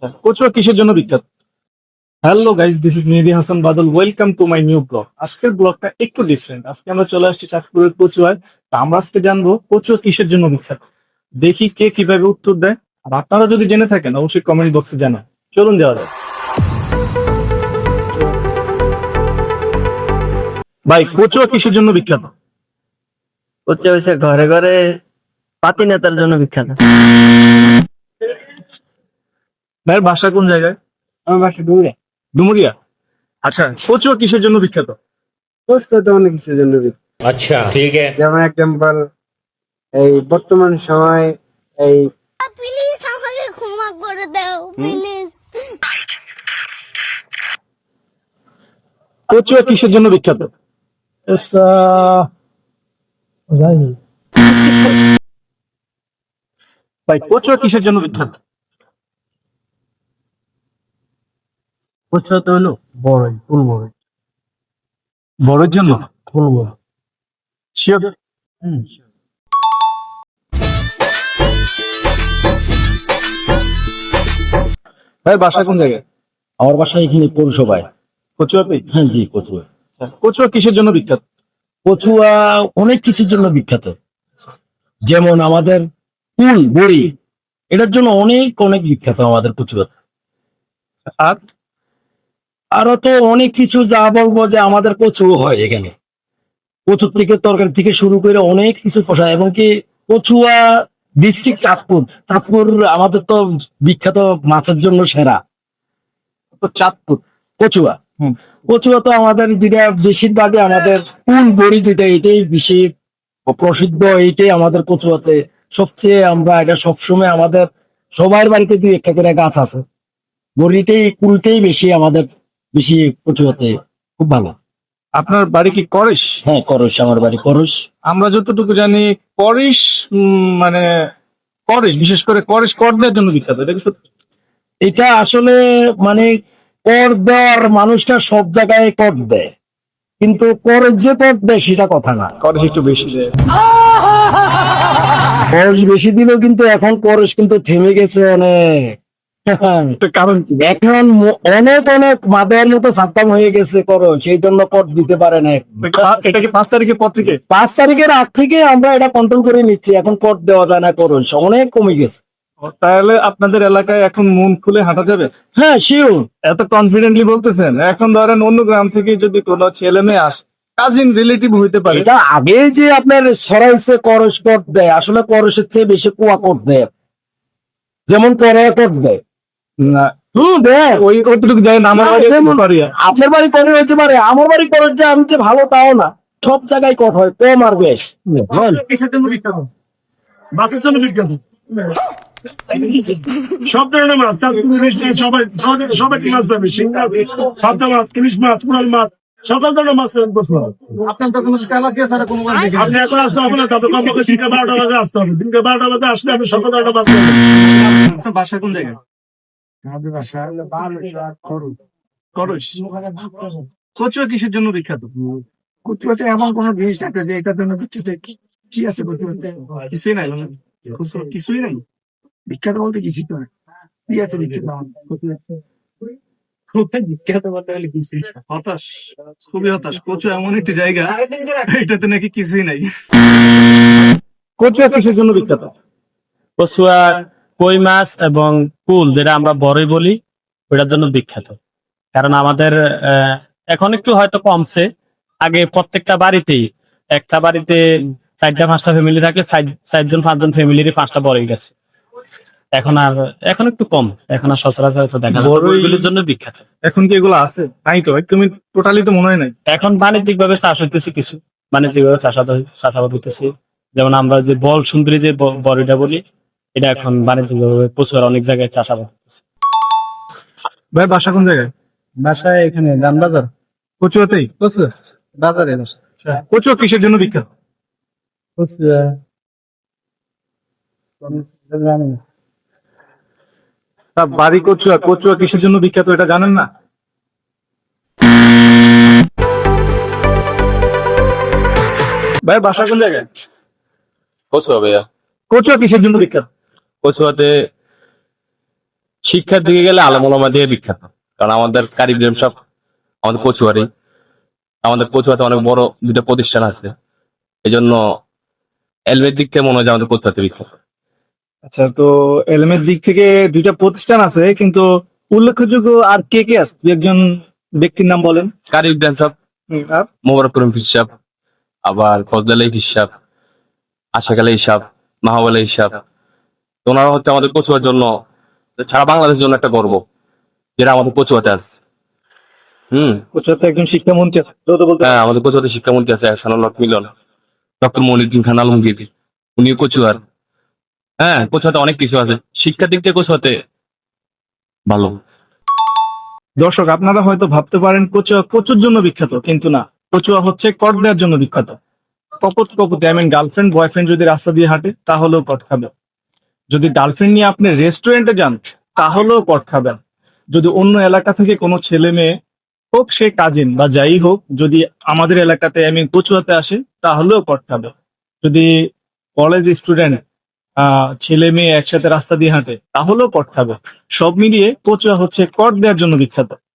কচুয়া কিসের জন্য বিখ্যাত? Hello guys, this is Mehedi Hasan Badal. Welcome to my new blog. আজকের ব্লগটা একটু ডিফারেন্ট। আজকে আমরা চলে আসছি চাঁদপুরের কচুয়ায়। তা আমরা আজকে জানবো কচুয়া কিসের জন্য বিখ্যাত। দেখি কে কিভাবে উত্তর দেয়। আর আপনারা যদি জেনে থাকেন অবশ্যই কমেন্ট বক্সে জানান। চলুন যাওয়া যাক। ভাই, কচুয়া কিসের জন্য বিখ্যাত? হচ্ছে হয়েছে ঘরে ঘরে পাতি নেতার জন্য বিখ্যাত। ভাইয়ের বাসা কোন জায়গায়? আমার বাসা ডুমুরিয়া। ডুমুরিয়া। আচ্ছা, কচুয়া কিসের জন্য বিখ্যাত? প্রস্তুত অনেক কিছুর জন্য अच्छा ठीक है। যেমন এক্সাম্পল এই বর্তমান সময় এই প্লিজ আমাকে ক্ষমা করে দাও প্লিজ। কচুয়া কিসের জন্য বিখ্যাত? ভাই, কচুয়া কিসের জন্য বিখ্যাত? কচুয়া তো হলো বড়ই, ফুল বড়ই, বড়ের জন্য। ফুল বড়। শিওর? ভাই, বাসা কোন জায়গায়? আমার বাসা এখানে পৌরসভায়। কচুয়াতে? হ্যাঁ জি, কচুয়া। কচুয়া কিসের জন্য বিখ্যাত? কচুয়া অনেক কিছুর জন্য বিখ্যাত, যেমন আমাদের কুল বড়ি, এটার জন্য অনেক অনেক বিখ্যাত আমাদের কচুয়া। আর আরো তো অনেক কিছু, যা বলবো যে আমাদের কচু হয় এখানে, কচুর থেকে তরকারি থেকে শুরু করে অনেক কিছু পোষায়। এবং কি কচুয়া ডিস্ট্রিক্ট চাঁদপুর, চাঁদপুর আমাদের তো বিখ্যাত মাছের জন্য সেরা। তো চাঁদপুর। কচুয়া, হুম। কচুয়া তো আমাদের যেটা বেশিরভাগই আমাদের কুল বড়ি, যেটা এটাই বেশি প্রসিদ্ধ, এইটাই আমাদের কচুয়াতে সবচেয়ে। আমরা এটা সবসময় আমাদের সবার বাড়িতে দুই একটা করে গাছ আছে। বড়িটাই কুলটাই বেশি আমাদের, বেশি কচুয়াতে খুব ভালো। আপনার বাড়ি কি করিস? হ্যাঁ করস, আমার বাড়ি করস। আমরা যতটুকু জানি করিস, মানে করিস, বিশেষ করে করিস কর দেওয়ার জন্য বিখ্যাত। এটা কি সত্যি? এটা আসলে মানে কর দেওয়ার মানুষটা সব জায়গায় কর দেয়, কিন্তু করের যে কর দেয় সেটা কথা না। করিস একটু বেশি দেয়। খরচ বেশি দিলেও কিন্তু এখন খরচ কিন্তু থেমে গেছে অনেক। তো কারণ কি? এখন অনেক অনেক মাদের মতো সাত্তাম হয়ে গেছে খরচ, সেই জন্য কর দিতে পারে না। এটা কি 5 তারিখের পর থেকে? 5 তারিখের আগ থেকে আমরা এটা কন্ট্রোল করে নিচ্ছি, এখন কর দেওয়া যায় না, খরচ অনেক কমে গেছে। তাহলে আপনাদের এলাকায় এখন মন খুলে হাঁটা যাবে? হ্যাঁ শিওর। এত কনফিডেন্টলি বলতেছেন। এখন ধরেন অন্য গ্রাম থেকে যদি কোনো ছেলে মেয়ে আসে, কাজিন রিলেটিভ হইতে পারে। এটা আগে যে আপনার সরাইছে করস কর দেয়, আসলে করসের চেয়ে বেশি কুয়া কর দেয়, যেমন করে কর দেয়। না, দেয়। ওই কতটুকু যায় না। আমার বাড়ি যেমন পারি। আপনার বাড়ি করে হইতে পারে, আমার বাড়ি করস যে আমি যে ভালো তাও না, সব জায়গায় কট হয়, কম আর বেশ। কিসের জন্য বিখ্যাত? মাছের জন্য বিখ্যাত। সব ধরনের মাছ, ইলিশ মাছ, সবাই মাছ পাবে। শিঙ্গা, পাবদা মাছ, ইলিশ মাছ, কুড়াল মাছ, সকল ধরনের মাছ পাবেন কচুয়া। আপনার তো কোনো এলাকা ছাড়া কোনো মাছ দেখি আপনি এখন আসতে হবে না, তবে কমপক্ষে 12টা বাজে আসতে হবে। 12টা বাজে আসলে আপনি সকল ধরনের মাছ পাবেন। আপনার বাসা কোন জায়গায়? আমাদের বাসা করুন। করস। কচুয়া কিসের জন্য বিখ্যাত? কচুয়াতে এমন কোন জিনিস আছে যে এটার জন্য কিছুতে কি আছে কচুয়াতে? কিছুই নাই, মানে কচুয়া কিছুই নাই। বিখ্যাত বলতে কিছুই তো না। কি আছে বিখ্যাত কচুয়াতে? বিখ্যাত বলতে গেলে কিছুই না। হতাশ, খুবই হতাশ। কচুয়া এমন একটি জায়গা, এটাতে নাকি কিছুই নাই। কচুয়া কিসের জন্য বিখ্যাত? কচুয়া কই মাছ এবং কুল, যেটা আমরা বড়ই বলি, ওটার জন্য বিখ্যাত। কারণ আমাদের এখন একটু হয়তো কমছে। আগে প্রত্যেকটা বাড়িতেই, একটা বাড়িতে 4-5টা ফ্যামিলি থাকলে 4জন-5জন ফ্যামিলিরই 5টা বড়ই গেছে। এখন একটু কম, এখন আর সচরাচর হয়তো দেখা যায় না। বড়ইগুলির জন্য বিখ্যাত। এখন কি এগুলো আছে? নাই তো, একদমই টোটালি তো মনে হয় নাই। এখন বাণিজ্যিক ভাবে চাষ হইতেছে, কিছু বাণিজ্যিক ভাবে চাষাবাদ হইতেছে। যেমন আমরা যে বল সুন্দরী যে বড়িটা বলি, এটা এখন বাণিজ্যিক ভাবে প্রচুর অনেক জায়গায় চাষাবাদ হইতেছে। ভাই, বাসা কোন জায়গায়? বাসায় এখানে দামবাজার। কচুয়াতেই? কচুয়া বাজারে বাসা। কচুয়া কিসের জন্য বিখ্যাত? কচুয়া জানি না। তা বাড়ি কচুয়া, কচুয়া কিসের জন্য বিখ্যাত এটা জানেন না? ভাই, বাসা কোন জায়গায়? কচুয়া ভাইয়া। কচুয়া কিসের জন্য বিখ্যাত? কচুয়াতে শিক্ষার দিকে গেলে আলেম ওলামা দিয়ে বিখ্যাত, কারণ আমাদের কারি ইব্রাহিম সব আমাদের কচুয়ারি, আমাদের কচুয়াতে অনেক বড় দুটো প্রতিষ্ঠান আছে, এই জন্য এলমের দিক থেকে মনে হয় যে আমাদের কচুয়াতে বিখ্যাত। আচ্ছা, তো এলএমের দিক থেকে দুইটা প্রতিষ্ঠান আছে, কিন্তু উল্লেখযোগ্য আর কে কে আছে? দু একজন ব্যক্তির নাম বলেন। কারি ইব্রাহিম সব, আর মোবারক করিম হিসাব, আবার ফজল আলী হিসাব, আশাক আলী হিসাব, মাহবুব আলী হিসাব। তো ওনারা হচ্ছে আমাদের কচুয়ার জন্য, সারা বাংলাদেশের জন্য একটা গর্ব, যেটা আমাদের কচুয়াতে আছে। কচুয়াতে একজন শিক্ষামন্ত্রী আছে, তো তো বলতে হ্যাঁ, আমাদের কচুয়াতে শিক্ষামন্ত্রী আছে এহসানুল হক মিলন, ডক্টর মনিউদ্দিন খান আলমগীর, উনিও কচুয়ার। হ্যাঁ, কচুয়াতে অনেক কিছু আছে, শিক্ষার দিক থেকে কচুয়াতে ভালো। দর্শক, আপনারা হয়তো ভাবতে পারেন কচুয়া কচুর জন্য বিখ্যাত, কিন্তু না, কচুয়া হচ্ছে কট দেওয়ার জন্য বিখ্যাত। কপত কপতে গার্লফ্রেন্ড বয়ফ্রেন্ড যদি রাস্তা দিয়ে হাঁটে তাহলেও কট খাবে। যদি গার্লফ্রেন্ড নিয়ে আপনি রেস্টুরেন্টে যান তাহলেও কট খাবেন। যদি অন্য এলাকা থেকে কোনো ছেলে মেয়ে হোক, সে কাজিন বা যাই হোক, যদি আমাদের এলাকাতে কচুয়াতে আসে তাহলেও কট খাবে। যদি কলেজ স্টুডেন্ট ছেলে মেয়ে একসাথে রাস্তা দিয়ে হাঁটে তাহলেও কট খাবে। সব মিলিয়ে কচুয়া হচ্ছে কট দেওয়ার জন্য বিখ্যাত।